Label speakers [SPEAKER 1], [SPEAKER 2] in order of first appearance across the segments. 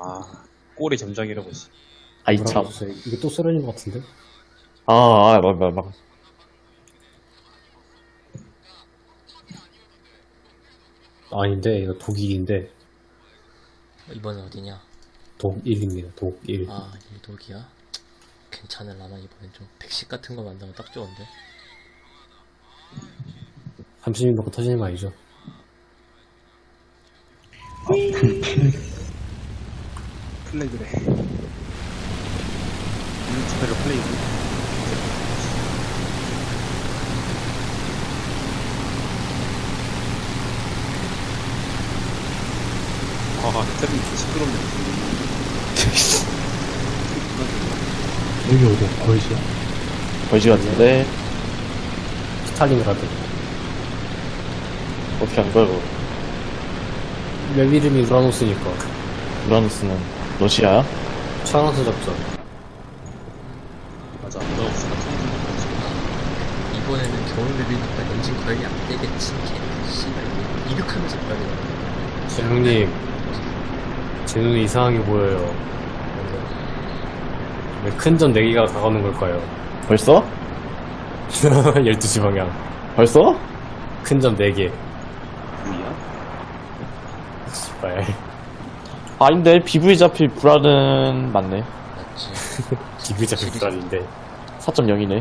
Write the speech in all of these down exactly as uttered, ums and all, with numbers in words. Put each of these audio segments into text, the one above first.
[SPEAKER 1] 아, 꼬리 점장이라고 씨.
[SPEAKER 2] 아이 참.
[SPEAKER 3] 뭐라고 했어요? 이게 또 소련인 것 같은데?
[SPEAKER 2] 아, 아, 막, 막, 막.
[SPEAKER 3] 아닌데 이거 독일인데
[SPEAKER 4] 이번엔 어디냐?
[SPEAKER 3] 독일입니다. 독일.
[SPEAKER 4] 아, 일독이야? 괜찮을라나 이번엔 좀 백십 같은 거 만나면 딱 좋은데.
[SPEAKER 3] 삼십 인 받고 터지는 거 아니죠?
[SPEAKER 1] 플래그래. 유튜브로 플레이그. 아, 테레비 시끄럽네.
[SPEAKER 3] 여기 어디야? 거의시야?
[SPEAKER 2] 벌지 같은데.
[SPEAKER 3] 스탈린그라드.
[SPEAKER 2] 어떻게 한 거야, 그거?
[SPEAKER 3] 웹 이름이 우라노스니까
[SPEAKER 2] 우라노스는 러시아야?
[SPEAKER 3] 차원수 작전.
[SPEAKER 1] 맞아, 너 없으니까 통신
[SPEAKER 4] 이번에는 겨울 맵이니까 엔진 관리 안 되겠지. 걔 씨발 이거 이륙하면서 빨리 나와.
[SPEAKER 3] 제 형님, 제 눈에 이상하게 보여요. 왜 큰 점 네 개가 다가오는 걸까요?
[SPEAKER 2] 벌써?
[SPEAKER 3] 열두 시 방향.
[SPEAKER 2] 벌써?
[SPEAKER 3] 큰 점 네 개.
[SPEAKER 1] 뭐야?
[SPEAKER 3] 씨발.
[SPEAKER 2] 아닌데, 비브이 잡힐 불안은 맞네.
[SPEAKER 4] 맞지.
[SPEAKER 3] 기분 잡힌 불안인데.
[SPEAKER 2] 사 점 영이네.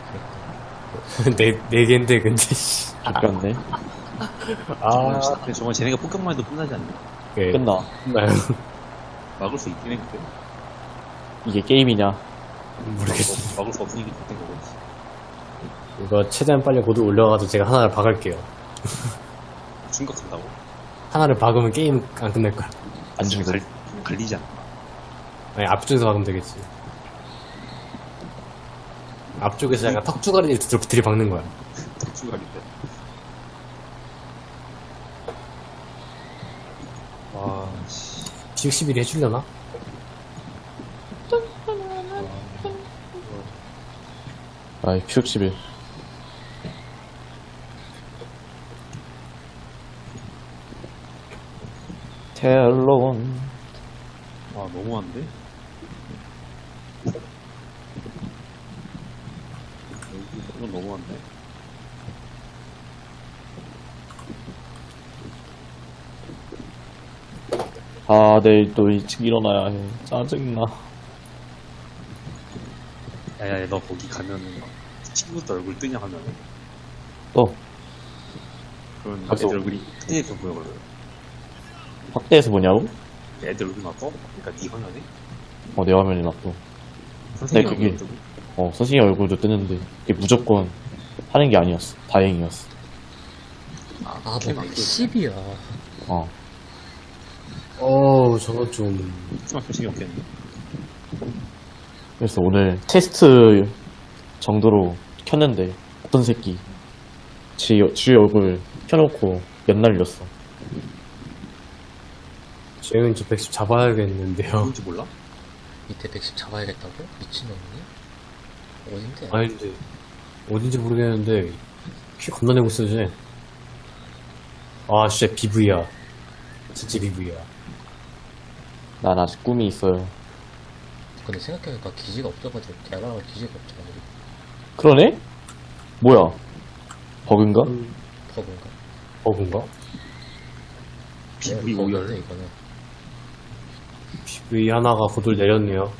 [SPEAKER 3] 네, 네 개인데, 근데, 씨.
[SPEAKER 2] 아깝네.
[SPEAKER 3] 아,
[SPEAKER 1] 근데 정말 쟤네가 폭격만 해도 끝나지 않나?
[SPEAKER 3] 예.
[SPEAKER 2] 끝나.
[SPEAKER 3] 끝나요.
[SPEAKER 1] 막을 수 있긴 해, 근데.
[SPEAKER 2] 이게 게임이냐.
[SPEAKER 3] 모르겠어.
[SPEAKER 1] 막을 수 없으니까 됐던 거겠지.
[SPEAKER 3] 이거 최대한 빨리 고도 올려가지고 제가 하나를 박을게요.
[SPEAKER 1] 충격한다고?
[SPEAKER 3] 하나를 박으면 게임 안 끝날 거야.
[SPEAKER 2] 안 죽어.
[SPEAKER 1] 갈, 갈리지 않나?
[SPEAKER 3] 아니, 앞쪽에서 박으면 되겠지. 앞쪽에서 약간 턱주가리를 들- 들이박는 거야.
[SPEAKER 1] 덕추가리인데. 와, 씨.
[SPEAKER 3] 지육 십일이 해주려나?
[SPEAKER 2] 아이, 피육십일. 텔론.
[SPEAKER 1] 와, 너무한데? 이건 너무한데?
[SPEAKER 2] 아, 내일 또 일찍 일어나야 해. 짜증나.
[SPEAKER 1] 야야야, 너 거기 가면은 막 친구들 얼굴 뜨냐 하면은
[SPEAKER 2] 또,
[SPEAKER 1] 그런
[SPEAKER 2] 벌써-
[SPEAKER 1] 애들 얼굴이 뜨니까 보여거든.
[SPEAKER 2] 확대해서 보냐고?
[SPEAKER 1] 애들 얼굴 막 떠? 그러니까 네 화면에?
[SPEAKER 2] 어, 내 화면이 맞고.
[SPEAKER 1] 선생님
[SPEAKER 2] 네, 그게-
[SPEAKER 1] 얼굴 뜨고.
[SPEAKER 2] 어, 선생님 얼굴도 뜨는데, 그게 무조건 하는 게 아니었어. 다행이었어.
[SPEAKER 1] 아,
[SPEAKER 4] 아,
[SPEAKER 1] 캠
[SPEAKER 4] 뭐
[SPEAKER 1] 안 켜져.
[SPEAKER 4] 백십이야.
[SPEAKER 2] 어.
[SPEAKER 3] 어우, 저거 좀.
[SPEAKER 1] 캠 켜식이 없겠네.
[SPEAKER 2] 그래서 오늘 테스트 정도로 켰는데, 어떤 새끼, 지, 지 얼굴 켜놓고 연 날렸어.
[SPEAKER 3] 쟤는 저 백십 잡아야겠는데요.
[SPEAKER 1] 누군지 몰라?
[SPEAKER 4] 밑에 백십 잡아야겠다고? 미친놈이니? 어딘데?
[SPEAKER 3] 아니, 근데, 어딘지 모르겠는데, 키 겁나 내고 있어, 쟤. 아, 진짜 비브이야. 진짜 비브이야.
[SPEAKER 2] 난 아직 꿈이 있어요.
[SPEAKER 4] 근데 생각해보니까 기지가 없어가지고 대화가 기지가 없잖아. 우리
[SPEAKER 2] 그러네? 뭐야? 버그인가?
[SPEAKER 4] 버그인가?
[SPEAKER 3] 버그인가?
[SPEAKER 1] 비브이
[SPEAKER 4] 네,
[SPEAKER 1] 오열.
[SPEAKER 4] 버그인데, 이거는.
[SPEAKER 3] 비브이 하나가 고도를 내렸네요.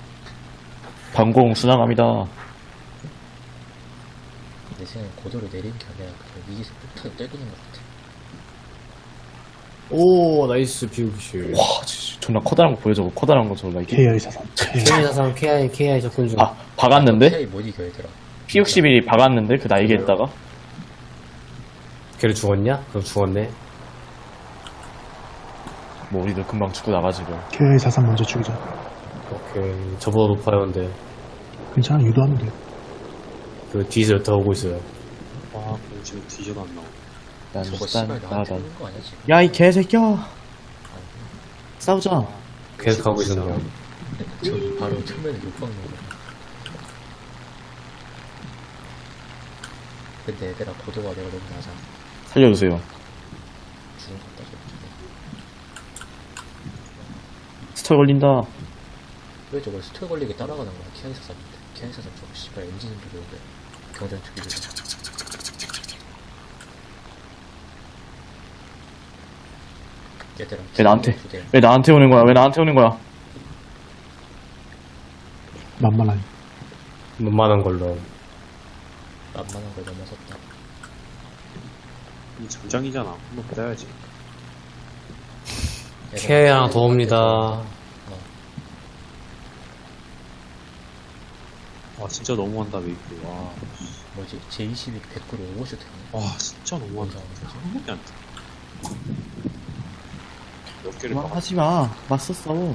[SPEAKER 2] 방공 순항합니다.
[SPEAKER 4] 내 생각엔 고도를 내린 게 아니라 그냥 위에서 폭탄을 때리는 것 같아.
[SPEAKER 3] 오, 나이스, 비브이.
[SPEAKER 2] 와, 진짜 존나 커다란 거 보여줘. 커다란 거 저거 이게.
[SPEAKER 5] 케이아이 사상.
[SPEAKER 3] 케이 사상, 케이아이, 케이아이 접근 중.
[SPEAKER 2] 아, 박았는데?
[SPEAKER 4] 차이 못 이겨, 얘들아.
[SPEAKER 2] 피 육십일이 박았는데? 그 날개에다가?
[SPEAKER 3] 걔를 죽었냐? 그럼 죽었네.
[SPEAKER 2] 뭐 우리도 금방 죽고 나가지고.
[SPEAKER 5] 케이아이 사상 먼저 죽이자.
[SPEAKER 3] 오케이. 저보다 높아요, 근데.
[SPEAKER 5] 괜찮아, 유도하면 돼.
[SPEAKER 3] 그 뒤에서 여타 오고 있어요.
[SPEAKER 1] 와, 그럼 지금 뒤져도 안 나와.
[SPEAKER 2] 난
[SPEAKER 4] 저거
[SPEAKER 2] 일단
[SPEAKER 4] 씨발 나한테
[SPEAKER 2] 나가다.
[SPEAKER 4] 오는 거 아니야, 지금?
[SPEAKER 2] 야, 이 개새끼야! 싸우자.
[SPEAKER 3] 계속 가고 있었네요.
[SPEAKER 4] 저기 바로 처음에는 욕박는 거. 근데 얘들아, 고도가 내가 너무 낮아.
[SPEAKER 2] 살려주세요.
[SPEAKER 4] 죽은 것 같다, 저기.
[SPEAKER 2] 스토어 걸린다.
[SPEAKER 4] 왜 저걸 스토어 걸리게 따라가는 거야? 키아이 사삼인데. 키아이 사삼 저거 씨발 엔진을 돌려야 돼. 경전 축이 얘들아.
[SPEAKER 2] 왜 나한테, 왜 나한테 오는 거야? 왜 나한테 오는 거야?
[SPEAKER 5] 만만하니.
[SPEAKER 3] 만만한 걸로.
[SPEAKER 4] 만만한 걸 넘어섰다.
[SPEAKER 1] 이 장장이잖아. 한번 받아야지.
[SPEAKER 3] 케이 하나 더 옵니다.
[SPEAKER 1] 와, 진짜 너무한다, 메이크. 와,
[SPEAKER 4] 뭐지? 제이십이 백 구로 오버슛 했네.
[SPEAKER 1] 와, 진짜 너무한다. 한 번에 안 돼. 몇 개를 막
[SPEAKER 2] 하지 마. 맞섰어.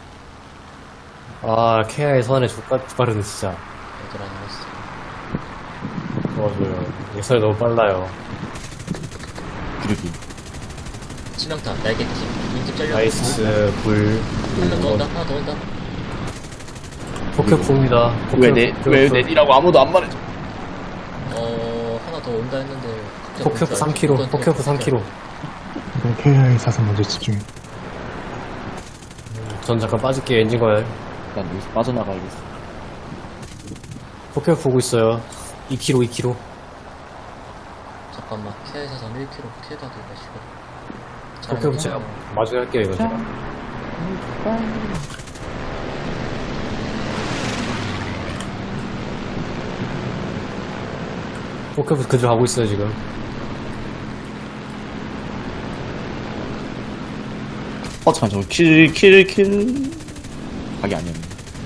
[SPEAKER 3] 아, 케이아이 선에 족가 빠르네, 진짜.
[SPEAKER 4] 얘들아 나왔어.
[SPEAKER 3] 도와줘요. 예선이 너무 빨라요.
[SPEAKER 2] 기르기.
[SPEAKER 4] 치명타, 날개팀, 인집 잘려.
[SPEAKER 3] 나이스, 불.
[SPEAKER 4] 하나 더 온다, 하나 더 온다.
[SPEAKER 3] 포켓프입니다.
[SPEAKER 2] 왜 내, 왜 내리라고 아무도 안 말해줘.
[SPEAKER 4] 어, 하나 더 온다 했는데.
[SPEAKER 3] 포켓프 삼 킬로그램, 포켓프 삼 킬로그램.
[SPEAKER 5] 일단 케이아이 사삼 먼저 집중해.
[SPEAKER 3] 전 잠깐 빠질게요, 엔진 거열.
[SPEAKER 2] 난 여기서 빠져나가야겠어.
[SPEAKER 3] 포켓프 보고 있어요. 이 킬로그램, 이 킬로그램.
[SPEAKER 4] 잠깐만, 케이아이 사삼 일 킬로그램, 케이가 되가 시고.
[SPEAKER 3] 포켓프 제가 마중에 할게요, 이거 제가. 포켓프 그대로 가고 있어요, 지금.
[SPEAKER 2] 어, 잠깐, 저거 킬, 킬, 킬. 각이 아니었네.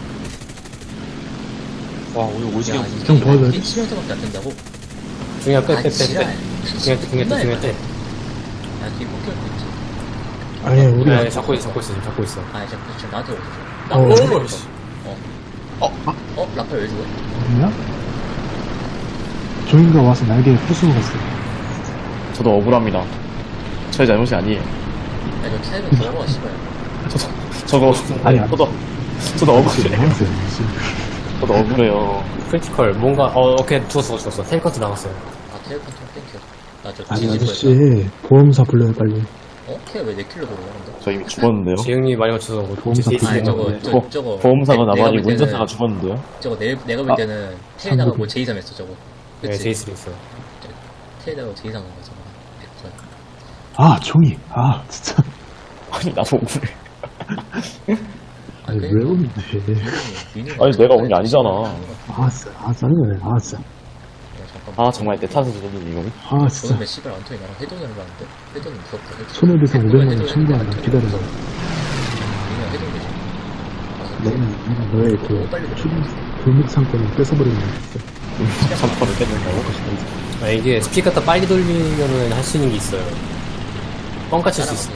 [SPEAKER 1] 와, 오늘 오지게
[SPEAKER 4] 야,
[SPEAKER 5] 좀 도와줘야
[SPEAKER 4] 이게
[SPEAKER 5] 돼.
[SPEAKER 4] 치명타밖에 안 된다고?
[SPEAKER 3] 중요한 빼, 빼,
[SPEAKER 4] 아,
[SPEAKER 3] 빼,
[SPEAKER 4] 지랄.
[SPEAKER 3] 빼. 중요한 빼, 중요한 빼, 중요한 빼.
[SPEAKER 4] 야, 뒤에 포켓 있지.
[SPEAKER 5] 아니, 우리
[SPEAKER 3] 네, 잡고 있어, 잡고 있어, 지금 잡고 있어.
[SPEAKER 4] 아, 이제 지금 나한테 오고 있어.
[SPEAKER 5] 어,
[SPEAKER 4] 나
[SPEAKER 3] 어, 씨.
[SPEAKER 4] 어. 어? 어? 라팔 왜 죽어?
[SPEAKER 5] 어디냐? 조인가 와서 날개 부수고 갔어.
[SPEAKER 2] 저도 억울합니다. 저의 잘못이 아니에요.
[SPEAKER 4] 야, 이거 캐릭은 더러워, 씨발.
[SPEAKER 2] 저도,
[SPEAKER 5] 아니, 아니.
[SPEAKER 2] 저도, 저도 억울해요.
[SPEAKER 5] 나왔어요.
[SPEAKER 2] 저도 억울해요.
[SPEAKER 3] 크리티컬, 뭔가, 어, 오케이, 죽었어, 죽었어. 텔커트 나갔어요.
[SPEAKER 4] 아, 캐릭 컨트롤 땡큐. 나저
[SPEAKER 5] 아니,
[SPEAKER 4] 뒤집어
[SPEAKER 5] 아저씨, 보험사 불러요, 빨리.
[SPEAKER 4] 어? 캐 왜 내 킬로 들어오는데?
[SPEAKER 2] 저 이미 죽었는데요.
[SPEAKER 3] 지영님이 많이 맞춰서 뭐,
[SPEAKER 5] 보험사
[SPEAKER 3] 제이스
[SPEAKER 4] 아니,
[SPEAKER 5] 네.
[SPEAKER 4] 저거,
[SPEAKER 5] 네.
[SPEAKER 4] 저,
[SPEAKER 2] 보-
[SPEAKER 4] 저거.
[SPEAKER 2] 보험사가
[SPEAKER 4] 내- 내가
[SPEAKER 2] 나발이고
[SPEAKER 4] 볼 때는-
[SPEAKER 2] 운전사가 죽었는데요.
[SPEAKER 4] 저거 내, 내가 볼
[SPEAKER 2] 아.
[SPEAKER 4] 때는 테이다가 뭐
[SPEAKER 5] 삼백이.
[SPEAKER 4] 제이삼 했어, 저거.
[SPEAKER 3] 네,
[SPEAKER 4] 그치?
[SPEAKER 3] 제이스도 있어요.
[SPEAKER 4] 테이다가 제이삼 한 거잖아. 백 퍼센트.
[SPEAKER 5] 아, 종이. 아, 진짜.
[SPEAKER 2] 아니, 나도 억울해.
[SPEAKER 5] 아니,
[SPEAKER 4] 그러니까.
[SPEAKER 5] 왜 오는데.
[SPEAKER 2] 아니, 내가 온 게 아니잖아.
[SPEAKER 5] 아, 진짜. 아, 짜증나네. 아, 진짜.
[SPEAKER 2] 아, 정말 내 탓을 주는 이거.
[SPEAKER 5] 아,
[SPEAKER 4] 너는
[SPEAKER 5] 진짜.
[SPEAKER 4] 몇 시발 안토니 나랑 회동을 하는데? 회동은 무섭다. 회동.
[SPEAKER 5] 손해배상
[SPEAKER 4] 회동은
[SPEAKER 5] 오백만 원
[SPEAKER 4] 회동이
[SPEAKER 5] 청구한다.
[SPEAKER 4] 아니라
[SPEAKER 5] 기다려봐.
[SPEAKER 4] 그냥 회동이지. 아,
[SPEAKER 5] 너는 너의 그
[SPEAKER 4] 빨리 좀.
[SPEAKER 5] 출입 골목 상권을 뺏어버리는 거 진짜.
[SPEAKER 2] 삼퍼를 뺏는다고?
[SPEAKER 3] 아, 이게 스피드 갖다 빨리 돌리면은 할 수 있는 게 있어요. 뻥까 칠 수 있어.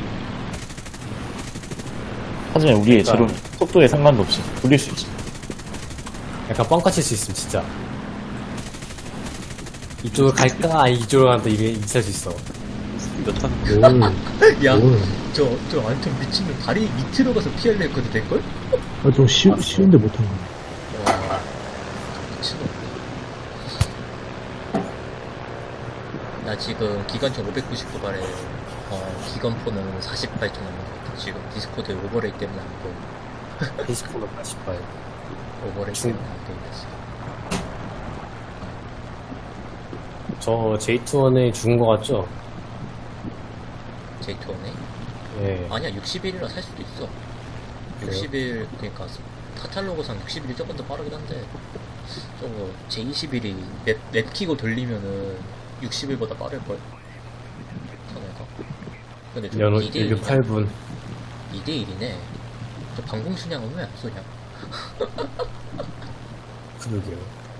[SPEAKER 2] 하지만 우리의
[SPEAKER 3] 그러니까.
[SPEAKER 2] 제로 속도에 상관도 없이 돌릴 수 있지.
[SPEAKER 3] 약간 뻥까 칠 수 있음, 진짜. 이쪽으로 갈까? 아니, 이쪽으로 간다, 이게 있을 수 있어.
[SPEAKER 1] 몇 탄?
[SPEAKER 5] 뭘,
[SPEAKER 4] 야,
[SPEAKER 5] 뭘.
[SPEAKER 4] 저, 저 안토 미친놈 다리 밑으로 가서 피하려 했거든, 될걸?
[SPEAKER 5] 아, 좀 쉬, 쉬운데 못한 거야.
[SPEAKER 4] 와, 미친놈. 나 지금 기관총 오백구십구 발에, 어, 기관포는 사십팔 초 남은 것 같아. 지금 디스코드 오버레이 때문에 안 보여.
[SPEAKER 3] 페이스코너 팔십 발.
[SPEAKER 4] 오버레이
[SPEAKER 3] 중-
[SPEAKER 4] 때문에 안 보이겠어.
[SPEAKER 3] 저 제이투원에 죽은 거 같죠?
[SPEAKER 4] 제이투원에?
[SPEAKER 3] 예.
[SPEAKER 4] 아니야, 육십일이라 살 수도 있어. 육십일, 그니까, 카탈로그상 육십일이 조금 더 빠르긴 한데, 저거, 제이십일이 맵, 맵 키고 돌리면은 육십일보다 빠를걸? 터널가. 근데 저
[SPEAKER 3] 연호
[SPEAKER 4] 이 대 일이네.
[SPEAKER 3] 일육팔 분.
[SPEAKER 4] 이 대 일이네. 저 방공순양은 왜 안 쏘냐?
[SPEAKER 3] 그러게요.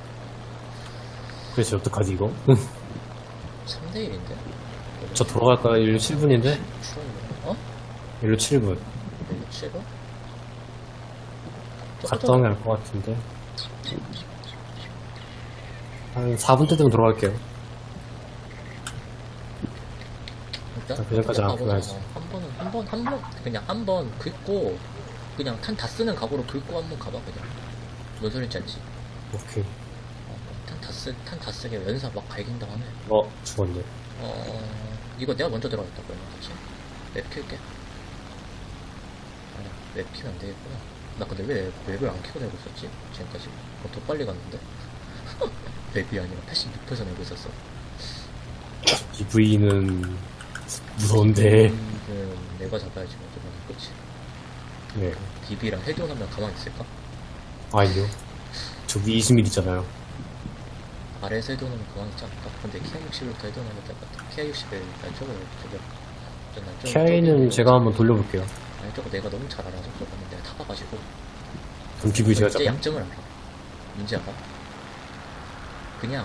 [SPEAKER 3] 그래서 어떡하지, 이거?
[SPEAKER 4] 삼 대 일인데?
[SPEAKER 3] 저 돌아갈까요? 일로 칠 분인데?
[SPEAKER 4] 어?
[SPEAKER 3] 일로 칠 분.
[SPEAKER 4] 칠 번?
[SPEAKER 3] 갔다 오면 알 것 같은데. 한 사 분 때 되면 돌아갈게요.
[SPEAKER 4] 일단
[SPEAKER 3] 그 전까지 안
[SPEAKER 4] 가보자.
[SPEAKER 3] 풀어야지.
[SPEAKER 4] 한 번은 한 번 한 번 그냥 한 번 긁고 그냥 탄 다 쓰는 각오로 긁고 한 번 가봐 그냥. 뭔 소린지 알지?
[SPEAKER 3] 오케이.
[SPEAKER 4] 어, 탄 다 쓰 탄 다 쓰게 연사 막 갈긴다고 하네.
[SPEAKER 3] 어, 죽었네.
[SPEAKER 4] 어 이거 내가 먼저 들어가겠다 그러면 그치? 맵 킬게. 아니야 맵 키면 안 되겠구나. 나 근데 왜 맵을 안 키고 내고 있었지? 지금까지? 어, 더 빨리 갔는데? 맵이 아니라 팔십육 퍼센트 내고 있었어.
[SPEAKER 3] 비브이는 무서운데.
[SPEAKER 4] 음, 내가 잡아야지, 뭐, 좀, 그치?
[SPEAKER 3] 네.
[SPEAKER 4] 비비랑 헤드온 하면 가만히 있을까?
[SPEAKER 3] 아니요. 저기 이십 밀 있잖아요.
[SPEAKER 4] 아래에서 헤드온 하면 가만히 있지 않을까? 근데 키아 육십일부터 헤드온 하면 될 것 같아. 키아 육십일, 아니, 저거, 저거. 저, 난 좀-
[SPEAKER 3] 케아이는
[SPEAKER 4] 저기-
[SPEAKER 3] 제가 한번 돌려볼게요.
[SPEAKER 4] 아니, 저거 내가 너무 잘 알아서 저거는 내가 타봐가지고.
[SPEAKER 3] 그럼 비브이 제가
[SPEAKER 4] 이제
[SPEAKER 3] 잡아요.
[SPEAKER 4] 양점을 알아. 뭔지 알아? 그냥,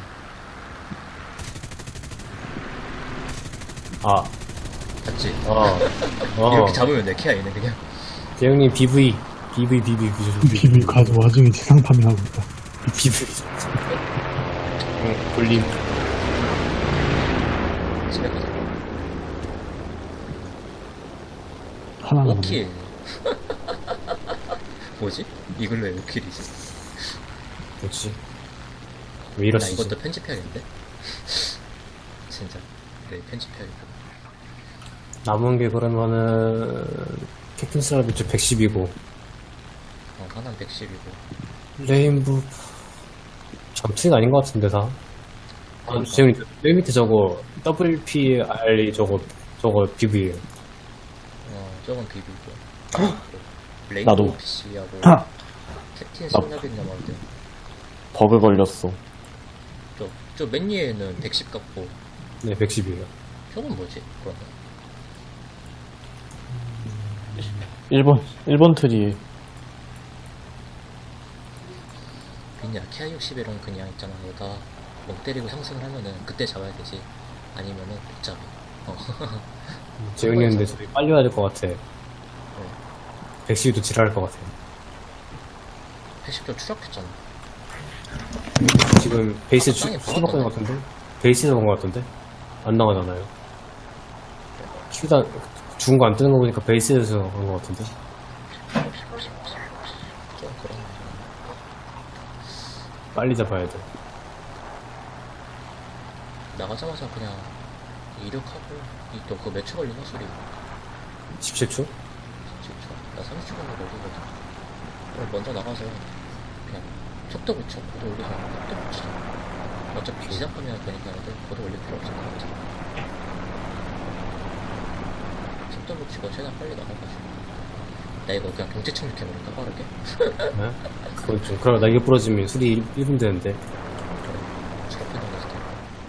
[SPEAKER 3] 아,
[SPEAKER 4] 봤지?
[SPEAKER 3] 아,
[SPEAKER 4] 이렇게
[SPEAKER 3] 아.
[SPEAKER 4] 잡으면 돼, 키아이는 그냥.
[SPEAKER 3] 대형님 비브이, 비브이, 비브이, 비브이,
[SPEAKER 5] 비밀 가서 와중에 지상 파밍하고 있다.
[SPEAKER 3] 비브이. 응, 돌림.
[SPEAKER 4] 집에 가자.
[SPEAKER 5] 하나 남았네.
[SPEAKER 4] 오킬. 뭐지? 이걸로 왜 오킬이지?
[SPEAKER 3] 뭐지? 왜
[SPEAKER 4] 나
[SPEAKER 3] 이러시지?
[SPEAKER 4] 이것도 편집해야겠는데? 진짜. 네, 편집해야겠다.
[SPEAKER 3] 남은 게 그러면은 캡틴 스라비츠 백십이고
[SPEAKER 4] 어, 하나는 백십이고.
[SPEAKER 3] 레인부 잠수가 아닌 것 같은데 다. 아, 지금 맨 밑에 저거 더블유피알이 저거 저거 비브이에요.
[SPEAKER 4] 어, 저건 비비고. 레이드
[SPEAKER 2] 나도.
[SPEAKER 4] 오피씨하고
[SPEAKER 5] 아!
[SPEAKER 4] 캡틴 스나빗 남았는데.
[SPEAKER 2] 버그 걸렸어.
[SPEAKER 4] 저, 저 맨 위에는 백십 같고.
[SPEAKER 3] 네, 백십이에요.
[SPEAKER 4] 저건 뭐지? 그러면.
[SPEAKER 2] 일본, 일본 트리.
[SPEAKER 4] 그냥 키아 육십일은 그냥 있잖아. 너가 멍 때리고 상승을 하면은 그때 잡아야 되지. 아니면은 못 잡아. 어.
[SPEAKER 3] 재영이었는데 저희 빨리 와야 될 것 같아. 백십이도 지랄할 것 같아.
[SPEAKER 4] 팔십 점 추락했잖아.
[SPEAKER 3] 지금 베이스 추,
[SPEAKER 4] 땅에
[SPEAKER 3] 추가받은 것
[SPEAKER 4] 박았던데?
[SPEAKER 3] 같은데? 베이스에서 본 것 같은데? 안 나가잖아요. 키우다 죽은 거 안 뜨는 거 보니까 베이스에서 본 것 같은데?
[SPEAKER 4] 좀 그런.
[SPEAKER 3] 빨리 잡아야 돼.
[SPEAKER 4] 나가자마자 그냥 이륙하고 이 또 그 몇 초 걸리나 소리.
[SPEAKER 3] 십칠 초?
[SPEAKER 4] 십칠 초. 나 삼십 초 정도 걸리거든. 그럼 먼저 나가서 그냥 속도 붙여. 고도 올리지 말고 속도 붙이자. 어차피 시작하면 되니까 애들 고도 올릴 필요 없을 것 같아. 속도 붙이고 최대한 빨리 나가가지고. 나 이거 그냥 경제 착륙해버릴까 빠르게?
[SPEAKER 3] 네? 그건 좀, 그럼 나 이거 부러지면 술이 일 분 되는데.
[SPEAKER 4] 저렇게 나갔을 때.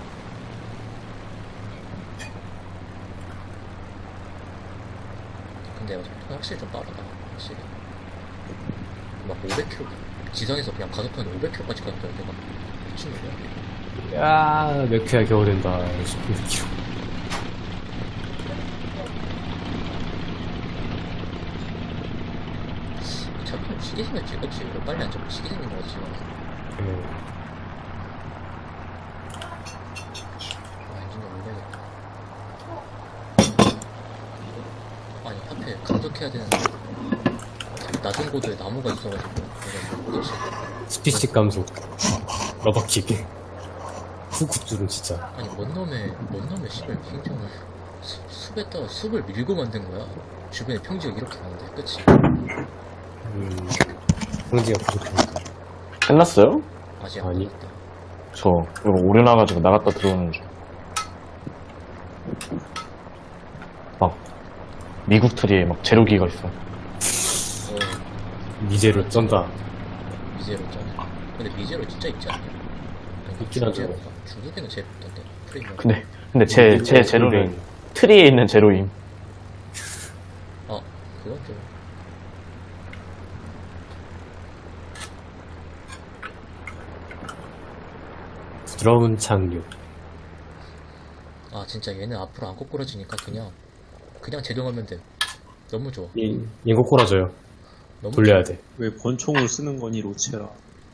[SPEAKER 4] 근데 속도가 확실히 좀 빠르다. 확실히. 막 오백 킬로미터. 지상에서 그냥 가속하면 오백 킬로미터까지 가는데 내가 미친놈이야.
[SPEAKER 3] 야, 몇 큐야 겨우 된다. 십구 킬로.
[SPEAKER 4] 자꾸 시계 생겼지, 그치? 이거 빨리 안 잡고 시계 생긴 거지, 지금.
[SPEAKER 3] 네.
[SPEAKER 4] 아, 엔진 좀 올려야겠다. 아니, 하필 감속해야 되는데. 낮은 고도에 나무가 있어가지고. 그래서, 그치?
[SPEAKER 3] 스피식 감속. 러버킥. 후쿠들은 진짜.
[SPEAKER 4] 아니, 뭔 놈의, 뭔 놈의 씨발 평정을. 수, 숲에다가 숲을 밀고 만든 거야. 주변에 평지가 이렇게 많은데, 그치?
[SPEAKER 3] 음, 성지가 부족하니까.
[SPEAKER 2] 끝났어요?
[SPEAKER 4] 아직 안
[SPEAKER 3] 아니.
[SPEAKER 4] 끝났다.
[SPEAKER 2] 저, 이거 오려나가지고 나갔다 들어오는 중. 막, 미국 트리에 막 제로기가 있어.
[SPEAKER 4] 어,
[SPEAKER 3] 미제로 쩐다.
[SPEAKER 4] 미제로 있잖아. 근데 미제로 진짜 있지 않냐? 아니,
[SPEAKER 3] 있긴 하죠.
[SPEAKER 4] 중제로인가? 중국에는 제로 있던데. 프리미엄.
[SPEAKER 2] 근데, 근데 제, 제 제로는 트리에 있는 제로임.
[SPEAKER 4] 아, 그건 좀.
[SPEAKER 3] 부드러운 착륙.
[SPEAKER 4] 아, 진짜 얘는 앞으로 안 꼬꾸라지니까 그냥, 그냥 제동하면 돼. 너무 좋아.
[SPEAKER 3] 이, 이거 꼬라져요.
[SPEAKER 4] 너무
[SPEAKER 3] 돌려야 돼.
[SPEAKER 1] 왜 권총을 쓰는 거니, 로체라.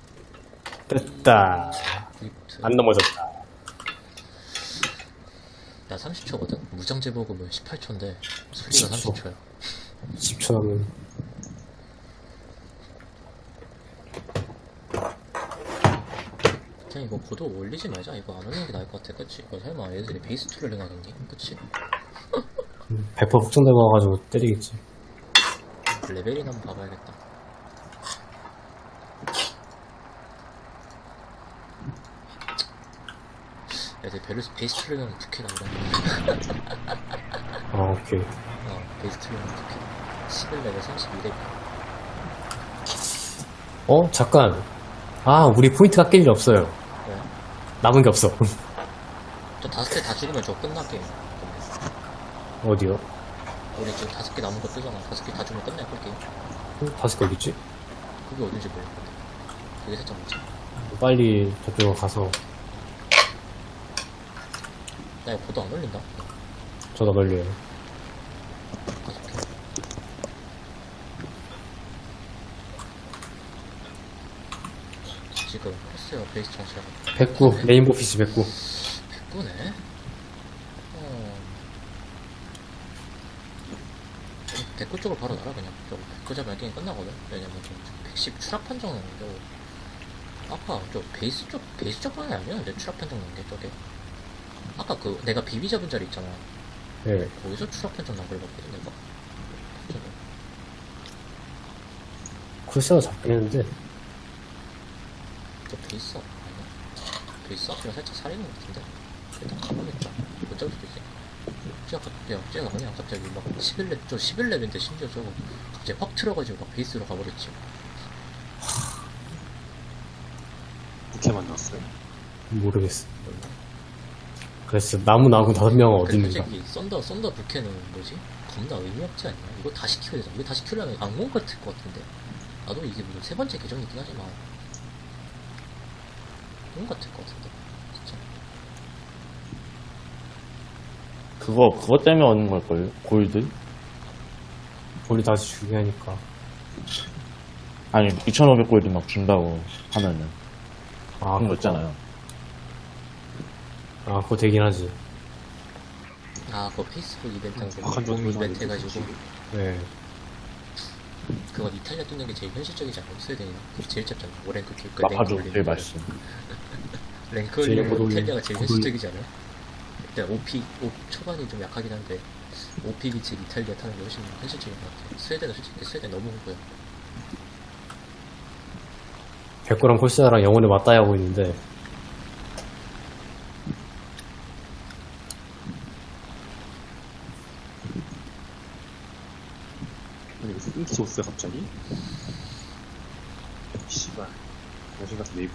[SPEAKER 3] 됐다.
[SPEAKER 4] 좋아. 리프트.
[SPEAKER 3] 안 넘어졌다.
[SPEAKER 4] 나 삼십 초거든? 무장 제보금은 십팔 초인데, 소리가
[SPEAKER 3] 십 초.
[SPEAKER 4] 삼십 초야.
[SPEAKER 3] 십 초 남은.
[SPEAKER 4] 그냥 이거 고도 올리지 말자. 이거 안 올리는 게 나을 것 같아. 그치? 이거 설마 애들이 베이스 툴을 해나겠니? 그치?
[SPEAKER 3] 백 퍼센트 확정되고 와가지고 때리겠지.
[SPEAKER 4] 레벨이나 한번 봐봐야겠다. 야, 내 베르스 베이스 트리거는 부캐 나오다.
[SPEAKER 3] 아, 오케이.
[SPEAKER 4] 어, 베이스 트리거는 부캐. 십일 레벨 삼십이 레벨.
[SPEAKER 3] 어? 잠깐. 아, 우리 포인트가 깰 일 없어요.
[SPEAKER 4] 왜?
[SPEAKER 3] 남은 게 없어.
[SPEAKER 4] 저 다섯 개 다 죽으면 저 끝나 게임.
[SPEAKER 3] 어디요?
[SPEAKER 4] 우리 지금 다섯 개 남은 거 뜨잖아. 다섯 개 다 죽으면 끝날 걸 게임.
[SPEAKER 3] 어, 다섯 개 어딨지?
[SPEAKER 4] 그게 어딘지 모르겠거든. 그게 살짝 문제.
[SPEAKER 3] 빨리 저쪽으로 가서
[SPEAKER 4] 나 이거 보도 안 올린다.
[SPEAKER 3] 전화 걸려요.
[SPEAKER 4] 다섯 개. 지금 코스요 베이스 정시하고
[SPEAKER 3] 백구, 레인보우 피씨 백구.
[SPEAKER 4] 백구네? 어. 백구 쪽으로 바로 날아 그냥. 저 백구 잡으면 게임 끝나거든. 왜냐면 저 백십 추락 판정 나는데 아까 저 베이스 쪽 베이스 쪽 방이 아니었는데 추락 판정 난 게 저게. 아까 그 내가 비비 잡은 자리 있잖아.
[SPEAKER 3] 예.
[SPEAKER 4] 거기서 추락 판정 난 걸 봤거든 내가.
[SPEAKER 3] 쿨세가 잡긴 했는데,
[SPEAKER 4] 저 베이스 앞 아니야? 베이스 앞이랑 살짝 살리는 것 같은데? 일단 가보겠다. 못 잡을 수도 있어. 쟤가 갑자기, 쟤가 그냥 갑자기 막 십일 렙, 저 십일 렙인데 심지어 저거 갑자기 확 틀어가지고 막 베이스로 가버렸지.
[SPEAKER 1] 부캐 만났어요?
[SPEAKER 3] 모르겠어. 그래서 나무 나고 다섯 명은 어디
[SPEAKER 4] 근데
[SPEAKER 3] 있는가?
[SPEAKER 4] 솔직히 썬더, 썬더 부캐는 뭐지? 겁나 의미 없지 않냐? 이거 다시 키워야 되잖아. 이거 다시 키우려면 악몽 같을 것 같은데. 나도 이게 무슨 세 번째 계정이긴 하지만 악몽 같을 것 같은데. 진짜.
[SPEAKER 2] 그거 그거 때문에 얻는 걸걸요? 골드?
[SPEAKER 3] 볼이 다시 주게 하니까.
[SPEAKER 2] 아니 이천오백 골드 막 준다고 하면은
[SPEAKER 3] 아,
[SPEAKER 2] 그런 거
[SPEAKER 3] 그거.
[SPEAKER 2] 있잖아요.
[SPEAKER 3] 아, 그거 되긴 하지.
[SPEAKER 4] 아, 그거 페이스북 이벤트하고
[SPEAKER 1] 박한
[SPEAKER 4] 봄
[SPEAKER 1] 정도
[SPEAKER 4] 이벤트 해가지고
[SPEAKER 3] 네.
[SPEAKER 4] 그건 이탈리아 뚫는 게 제일 현실적이지 않아? 스웨덴이나? 그게 제일 짧잖아. 오랭크 킬, 그
[SPEAKER 2] 마파도
[SPEAKER 4] 랭크
[SPEAKER 2] 제일
[SPEAKER 4] 올리는
[SPEAKER 2] 맛있어.
[SPEAKER 4] 랭크
[SPEAKER 3] 제일
[SPEAKER 4] 올리는
[SPEAKER 3] 고돌리-
[SPEAKER 4] 이탈리아가 제일
[SPEAKER 3] 고돌리-
[SPEAKER 4] 현실적이지 않아? 일단 오피, 오, 초반이 좀 약하긴 한데 오피 기치 이탈리아 타는 게 훨씬 현실적인 것 같아. 스웨덴은 솔직히 스웨덴 너무 홍보야.
[SPEAKER 3] 백구랑 콜세아랑 영혼에 맞다이 하고 있는데,
[SPEAKER 1] 아니 무슨 인기 줬어요 갑자기? 씨발 여신 같은 네이버.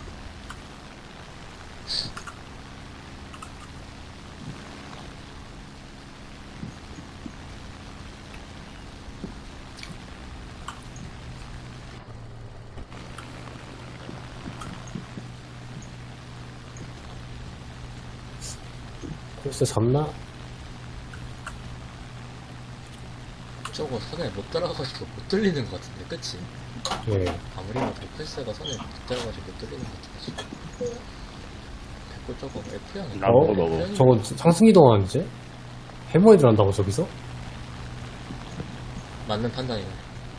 [SPEAKER 3] 콜세 잡나?
[SPEAKER 4] 저거 선에 못 따라가가지고 못 뚫리는 것 같은데, 그치?
[SPEAKER 3] 예.
[SPEAKER 4] 아무리 봐도 펄스가 선에 못 따라가지고 못 뚫리는 것 같아 지금. 백골 저거 F형이
[SPEAKER 2] 나 먹어, 먹어.
[SPEAKER 3] 저거 상승이동하는지? 해머이들 한다고 저기서?
[SPEAKER 4] 맞는 판단이네.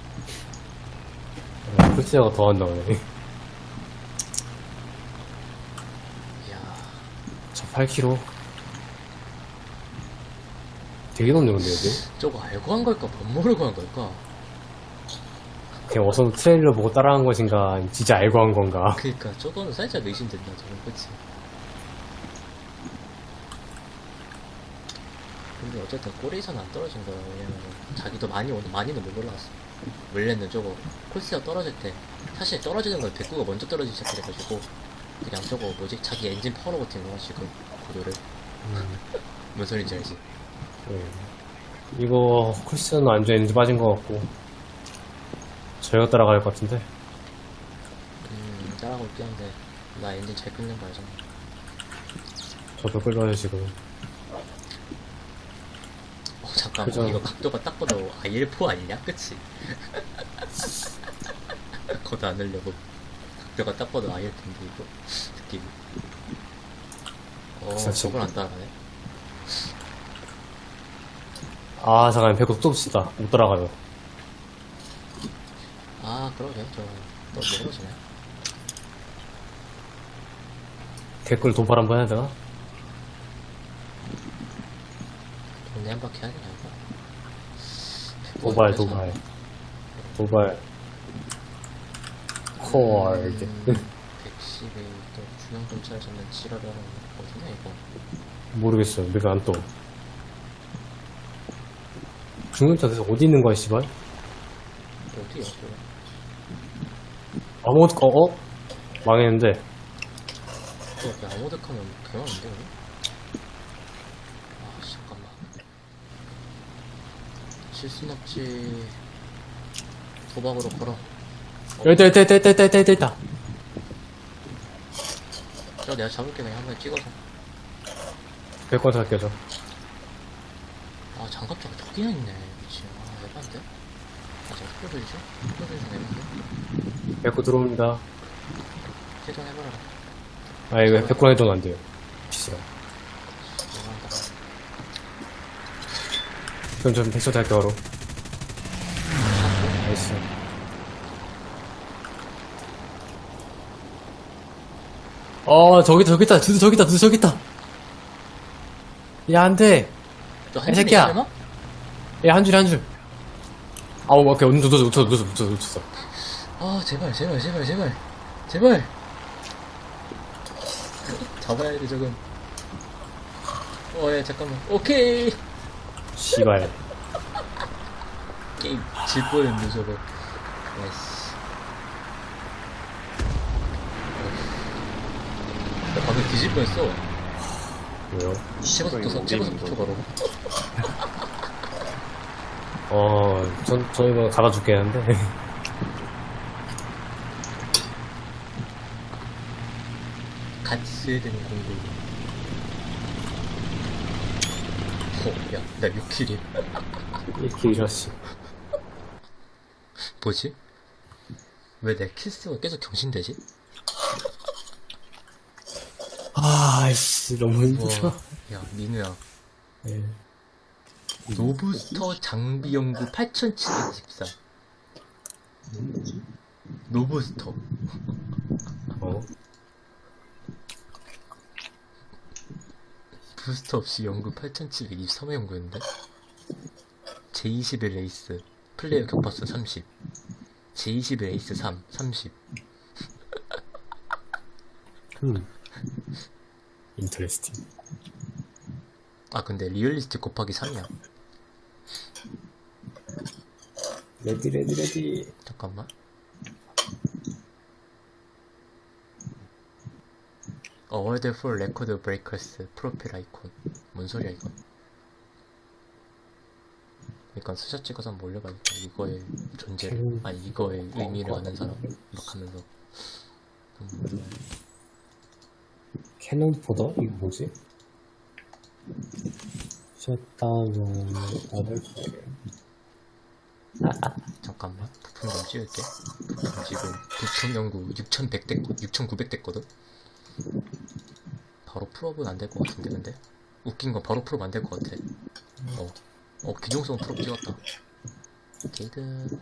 [SPEAKER 3] 아, 콜세아가 더 한다 그래.
[SPEAKER 4] 이야,
[SPEAKER 3] 자, 팔 킬로미터. 되게 높네 근데 여기.
[SPEAKER 4] 저거 알고 한 걸까? 못 모르고 한 걸까?
[SPEAKER 3] 그냥 어서 트레일러 보고 따라한 것인가, 진짜 알고 한 건가.
[SPEAKER 4] 그니까 저거는 살짝 의심된다 저건, 그치? 근데 어쨌든 꼬리에서는 안 떨어진 거야. 왜냐면 자기도 많이 오늘 많이는 못 올라왔어. 원래는 저거 콜스가 떨어질 때 사실 떨어지는 건 백구가 먼저 떨어지기 시작해가지고 그냥 저거 뭐지? 자기 엔진 파워로 버틴 거야 지금 구도를.
[SPEAKER 3] 음,
[SPEAKER 4] 뭔 소린지 알지?
[SPEAKER 3] 예. 이거 콜세아는 완전 에너지 빠진 것 같고 저희가 따라갈 것 같은데.
[SPEAKER 4] 음 따라가고 있긴 한데 나 엔진 잘 끊는 거 알잖아.
[SPEAKER 3] 저도 끌려요 지금.
[SPEAKER 4] 어 잠깐만
[SPEAKER 3] 그죠.
[SPEAKER 4] 이거 각도가 딱 봐도 아이엘포 아니냐? 그치? 거도 안 하려고 각도가 딱 봐도 아이엘포인데 이거 느낌이. 어
[SPEAKER 3] 진짜
[SPEAKER 4] 저걸 안 따라가네.
[SPEAKER 3] 아 잠깐 배꼽 또 쓰다 못 따라가요.
[SPEAKER 4] 아 그러게 저너 멀어지네.
[SPEAKER 3] 댓글 도발 한번 해야 되나?
[SPEAKER 4] 동네 한 바퀴 하냐 이거.
[SPEAKER 3] 도발 도발. 도발. 콜드.
[SPEAKER 4] 백십에 또 중앙 경찰 잡는 지랄을 하는 거 어디냐 이거.
[SPEAKER 3] 모르겠어요. 내가 안 떠. 중근차에서 어디 있는 거야, 씨발?
[SPEAKER 4] 어디야 그거.
[SPEAKER 3] 아무것도, 어, 어? 망했는데.
[SPEAKER 4] 또 그냥 아모드카면 개만한데 아 잠깐만. 실순 없지. 도박으로 걸어.
[SPEAKER 3] 여기 있다, 있다, 있다, 있다, 있다, 있다, 있다.
[SPEAKER 4] 저 내가 잡을게 그냥 한번 찍어서.
[SPEAKER 3] 백권 살게요, 저.
[SPEAKER 4] 아 장갑차가 저기나 있네. 미친. 아 에반데? 아 제가 스포드리죠? 스포드리죠 에반데?
[SPEAKER 3] 백권 들어옵니다.
[SPEAKER 4] 해동해버려라.
[SPEAKER 3] 아, 이거 백권 해도 안 돼요. 비싸.
[SPEAKER 4] 에반다.
[SPEAKER 3] 그럼 전 백선 할게요, 바로. 나이스. 어, 저기다, 저기다, 두두 저기다, 두두 저기다. 야, 안 돼.
[SPEAKER 4] 너한
[SPEAKER 3] 이
[SPEAKER 4] 줄이
[SPEAKER 3] 새끼야.
[SPEAKER 4] 설마?
[SPEAKER 3] 야, 한 줄, 한 줄. 아우, 오케이. 놓쳤어, 놓쳤어, 놓쳤어, 놓쳤어, 놓쳤어.
[SPEAKER 4] 아 제발 제발 제발 제발 제발 잡아야 돼 저건. 어예 잠깐만. 오케이.
[SPEAKER 3] 씨발.
[SPEAKER 4] 게임 질 뻔했네 저거. 나이스. 나 방금 뒤질 뻔했어.
[SPEAKER 3] 왜요?
[SPEAKER 4] 찍어서 또 찍어서 붙여 바로.
[SPEAKER 3] 어, 전, 저 이거 갈아줄게 하는데.
[SPEAKER 4] 같이 써야 되는 공부. 어, 야, 나 육 킬이야.
[SPEAKER 3] 이렇게 이러시.
[SPEAKER 4] 뭐지? 왜 내 킬수가 계속 경신되지?
[SPEAKER 3] 아이씨, 너무 힘들어.
[SPEAKER 4] 와, 야, 민우야.
[SPEAKER 3] 네.
[SPEAKER 4] 노브스터 장비 연구 팔천칠백십사. 노브스터.
[SPEAKER 3] 어?
[SPEAKER 4] 부스터 없이 연구 팔천칠백이십삼 회 연구했는데? 제이십일 레이스. 플레이어 격파수 삼십. 제이십일 레이스 삼, 삼십.
[SPEAKER 3] 음. 인터레스팅.
[SPEAKER 4] 아, 근데 리얼리스트 곱하기 삼이야.
[SPEAKER 3] 레디, 레디, 레디.
[SPEAKER 4] 잠깐만. 어워드 for 레코드 브레이커스 프로필 아이콘. 뭔 소리야 이거? 그러니까 스샷 찍어서 한번 올려봐야겠다. 이거의 존재를, 아니 이거의 의미를 아는 사람 막 하면서. 음,
[SPEAKER 3] 캐논 포더? 이거 뭐지? 셧다운, 아들,
[SPEAKER 4] 잠깐만 부품 좀 찍을게. 부품 지금 부품 연구 육천백 됐고 육천구백 됐거든. 바로 풀업은 안 될 것 같은데. 근데 웃긴 건 바로 풀업 안 될 것 같아. 어, 어 기종성 풀업 찍었다. 게이드.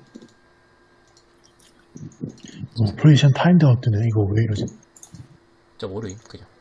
[SPEAKER 5] 어, 프로이션 타임드 어때네? 이거 왜 이러지?
[SPEAKER 4] 저 모르임 그냥.